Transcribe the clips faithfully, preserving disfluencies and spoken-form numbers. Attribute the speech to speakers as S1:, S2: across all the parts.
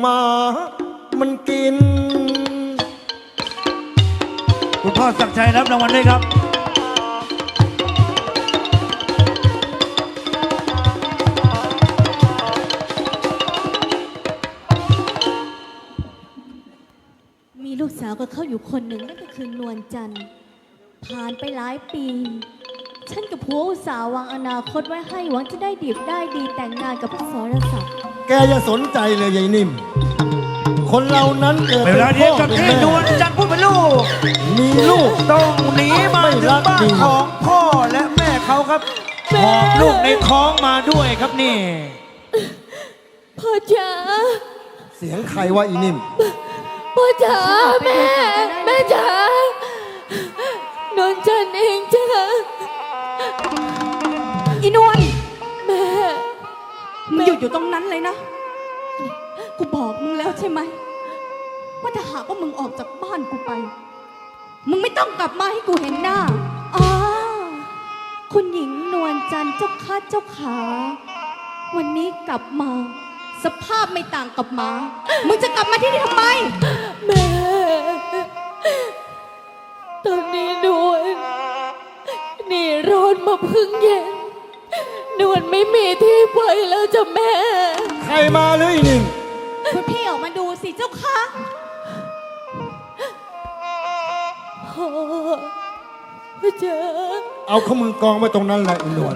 S1: หมามันกิน
S2: คุณพ่อศักดิ์ชัยรับรางวัลด้วยครับ
S3: มีลูกสาวก็เข้าอยู่คนหนึ่งนั่นก็คือนวลจันทร์ผ่านไปหลายปี ฉันกับผัวอุตสาห์วางอนาคตไว้ให้หวังจะได้ดีได้ดีแต่งงานกับพระสรศักดิ์
S1: แกอย่าสนใจเลยยายนิ่มคนเรานั้นเกิด
S2: เว
S1: เป็น
S2: ลา
S1: พ่
S2: เดียว
S1: อ
S2: กับ
S1: เป็น
S2: ที่
S1: แม่
S2: นวลจันทร์ผู้เป็นลูก
S1: มีลูก
S2: ต้องหนีมาถึงบ้านของพ่อและแม่เขาครับหอบลูกในท้องมาด้วยครับนี่
S3: พ่อจ๋า
S1: เสียงใครวะอีนิ่ม
S3: พ่อจ๋าแม่แม่จ๋านวลจันทร์เองจ้าอีนวลแม่มึงหยุดอยู่ตรงนั้นเลยนะกูบอกมึงแล้วใช่ไหมว่าถ้าหากว่ามึงออกจากบ้านกูไปมึงไม่ต้องกลับมาให้กูเห็นหน้าอ๋อคุณหญิงนวลจันทร์เจ้าข้าเจ้าขาวันนี้กลับมาสภาพไม่ต่างกับหมามึงจะกลับมาที่นี่ทำไมแม่ตอนนี้นวลนี่ร้อนมาพึ่งเย็นนวลไม่มีที่ไปแล้วจ้ะแม่
S1: ใครมาหรืออีนิ่ม
S3: คุณพี่ออกมาดูสิเจ้าค่ะพ่อพ่อจ๋า
S1: เอาข้อมือกองไว้ตรงนั้นแหละอีนวล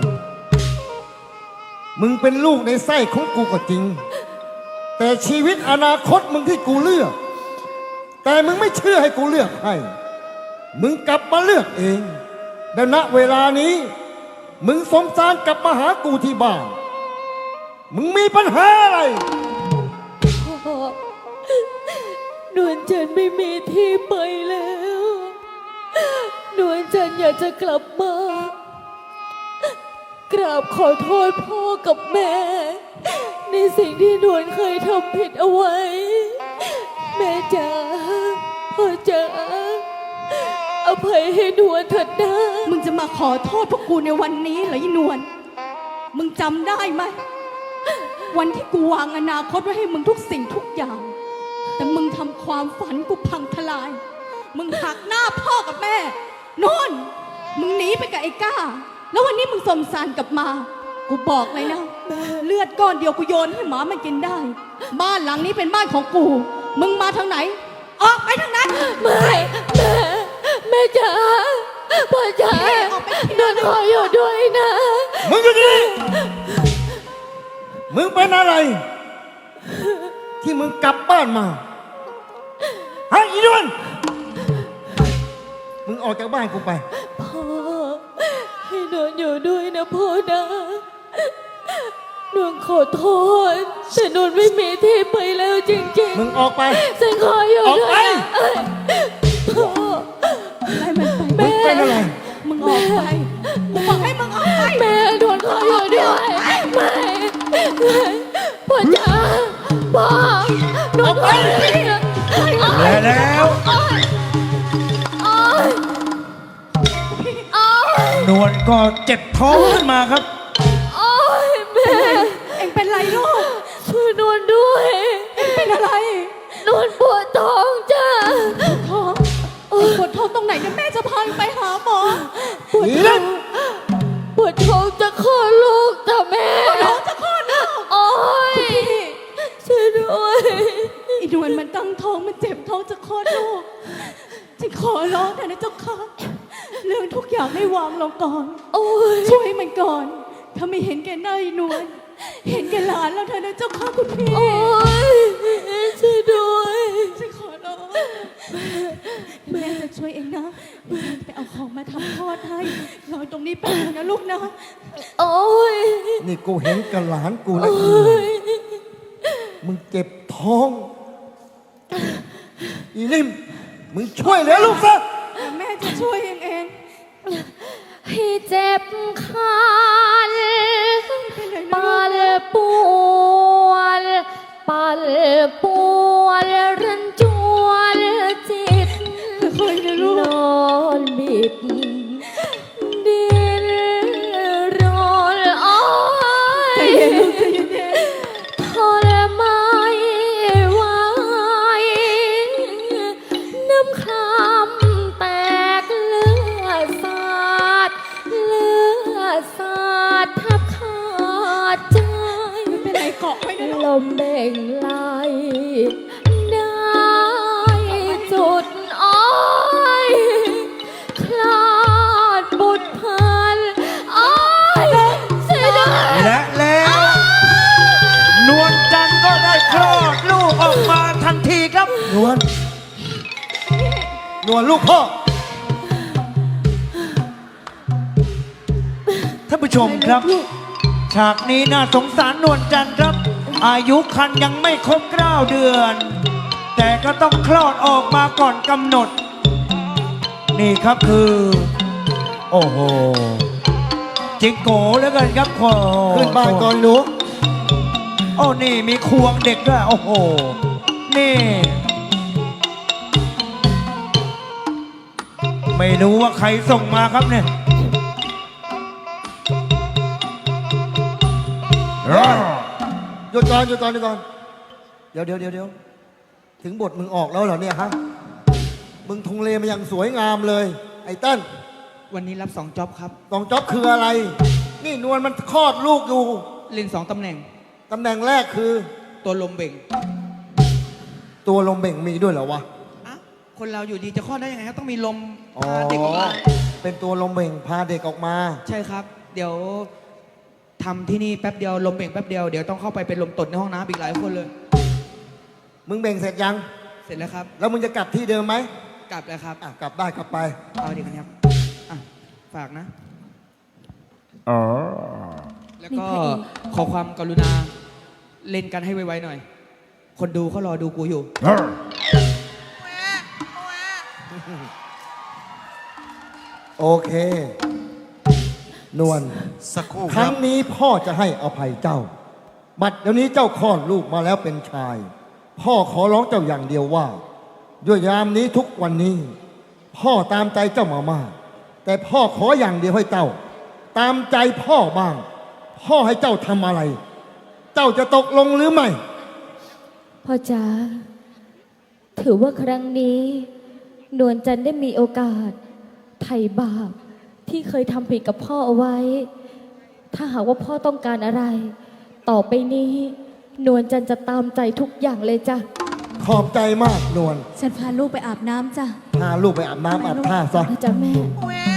S1: มึงเป็นลูกในไส้ของกูก็จริงแต่ชีวิตอนาคตมึงที่กูเลือกแต่มึงไม่เชื่อให้กูเลือกให้มึงกลับมาเลือกเองและณเวลานี้มึงสมสารกลับมาหากูที่บ้านมึงมีปัญหาอะไร
S3: พ่อนวลจันทร์ไม่มีที่ไปแล้วนวลจันทร์อยากจะกลับมากราบขอโทษพ่อกับแม่ในสิ่งที่นวลเคยทำผิดเอาไว้แม่จ๋าพ่อจ๋าอภัยให้นวลเถิดนะมึงจะมาขอโทษพวกกูในวันนี้เหรออีนวลมึงจำได้ไหมวันที่กูวางอนาคตไว้ให้มึงทุกสิ่งทุกอย่างแต่มึงทำความฝันกูพังทลายมึงหักหน้าพ่อกับแม่นนมึงหนีไปกับไอ้ก้าแล้ววันนี้มึงสมสารกลับมากูบอกเลยนะเลือดก้อนเดียวกูโยนให้หมามันกินได้บ้านหลังนี้เป็นบ้านของกูมึงมาทางไหนออกไปทางนั้นไม่แม่แม่จ๋าพ่อจ๋านนขออยู่ด้วยนะ
S1: มึงอยู่นี่มึงเป็นอะไรที่มึงกลับบ้านมาฮะอีนวลมึงออกจากบ้านกูไป
S3: พ่อให้นนอยู่ด้วยนะพ่อนะนนขอโทษแต่นนไม่มีที่ไปแล้วจริงๆ
S1: มึงออกไป
S3: ฉันขออยู่ด้วยพ่อให้มันไป
S1: มึงเป็นอะไร
S3: มึงออกไปกูบอกให้มึงออกไปแม่นนขออยู่ด้วยไม่พ่อจ๋าพ่อนนขออยู่ด้วย
S2: และแล้วนวลก็เจ็บท้องขึ้นมาครับ
S3: โอ้ยแม่เอ็งเป็นไรลูกช่วยนวลด้วยเอ็งเป็นอะไรนวลปวดท้องจ้าท้องปวดท้องตรงไหนเดี๋ยวแม่จะพาไปหาหมอปวดท้องปวดท้องจะคลอดลูกจ้ะแม่ปวดท้องจะคลอดลูกโอ้ยช่วยด้วยอีนวลมันตั้งท้องมันเจ็บท้องจะคลอดลูกฉันขอร้องเถอะนะเจ้าค่ะเรื่องทุกอย่างให้วางลงก่อนช่วยมันก่อนถ้าไม่เห็นแกหน้าอีนวลเห็นแกหลานแล้วเธอนะเจ้าค่ะคุณพี่โอ้ยช่วยด้วยฉันขอร้องแม่จะช่วยเองนะไปเอาของมาทำทอดให้รอตรงนี้แป๊บนึงนะลูกนะโอ้ย
S1: นี่กูเห็นกับหลานกูแล้วมึงเจ็บท้องอีนิ่มมึงช่วยเหลือลูกซะ
S3: แม่จะช่วยเองเองพี่เจ็บคันปัลปวดปัลปวดรันจวนจิตนอนบิดดินรอนอ้อยทรมานไหว
S4: ได้จุดอ้อยคลาดบุตรพันอ้อยเสียดาย
S2: และแล้วนวลจันทร์ก็ได้คลอดลูกออกมาทันทีครับ
S1: นวลนวลลูกพ่อ
S2: ท่านผู้ชมครับ ฉากนี้น่าสงสารนวลจันทร์ครับ อายุคันยังไม่ครบเก้าเดือน แต่ก็ต้องคลอดออกมาก่อนกำหนด นี่ครับคือ โอ้โหจิงโก้แล้วกันครับโอ้โห
S1: ขึ้นบ้านก่อนหนู
S2: โอ้นี่มีควงเด็กด้วยโอ้โห นี่ ไม่รู้ว่าใครส่งมาครับเนี่ย
S1: หยุดก่อนหยุดก่อนหยุดก่อนเดี๋ยวเดี๋ยวเดี๋ยวเดี๋ยวถึงบทมึงออกแล้วเหรอเนี่ยฮะมึงทุงเลมาอย่างสวยงามเลย ไอ้เต้น
S5: วันนี้รับสองจ็อบครับ
S1: กองจ๊อบคืออะไร นี่นวลมันคลอดลูกอยู่
S5: เล่นสองตำแหน่ง
S1: ตำแหน่งแรกคือ
S5: ตัวลมเบ่ง
S1: ตัวลมเบ่งมีด้วยเหรอวะ
S5: อ่ะคนเราอยู่ดีจะคลอดได้ยังไงครับ ต้องมีลม
S1: อ๋อ
S5: พาเด็กออกมา
S1: เป็นตัวลมเบ่งพาเด็กออกมา
S5: ใช่ครับ เดี๋ยวทำที่นี่แป๊บเดียวลมเบ่งแป๊บเดียว เดี๋ยวต้องเข้าไปเป็นลมตดในห้องน้ำอีกหลายคนเลย
S1: มึงเบ่งเสร็จยัง
S5: เสร็จแล้วครับ
S1: แล้วมึงจะกลับที่เดิมไหม
S5: กลับแล้วครับ
S1: อ่ะกลับได้กลับไป
S5: เอาดีกันครับอ่ะฝากนะ แล้วก็ขอความกรุณาเล่นกันให้ไวๆหน่อย คนดูเขารอดูกูอยู่
S1: โอเค นวล
S6: สักครู่
S1: ค
S6: ครั
S1: รั้
S6: บ
S1: งนี้พ่อจะให้อภัยเจ้า บัดเดี๋ยวนี้เจ้าคลอดลูกมาแล้วเป็นชาย พ่อขอร้องเจ้าอย่างเดียวว่า ด้วยยามนี้ทุกวันนี้ พ่อตามใจเจ้ามามาก แต่พ่อขออย่างเดียวให้เจ้า ตามใจพ่อบ้าง พ่อให้เจ้าทำอะไร เจ้าจะตกลงหรือไม่
S4: พ่อจ๋าถือว่าครั้งนี้ นวลจันทร์ได้มีโอกาสไถ่บาปที่เคยทำผิดกับพ่อเอาไว้ ถ้าหากว่าพ่อต้องการอะไร ต่อไปนี้ นวลจันทร์จะตามใจทุกอย่างเลยจ้ะ
S1: ขอบใจมากนวล
S3: ฉันพาลูกไปอาบน้ำจ้ะ
S1: พาลูกไปอาบน้ำอาบท่าซะ
S4: นะจ๊ะแม่
S6: แหว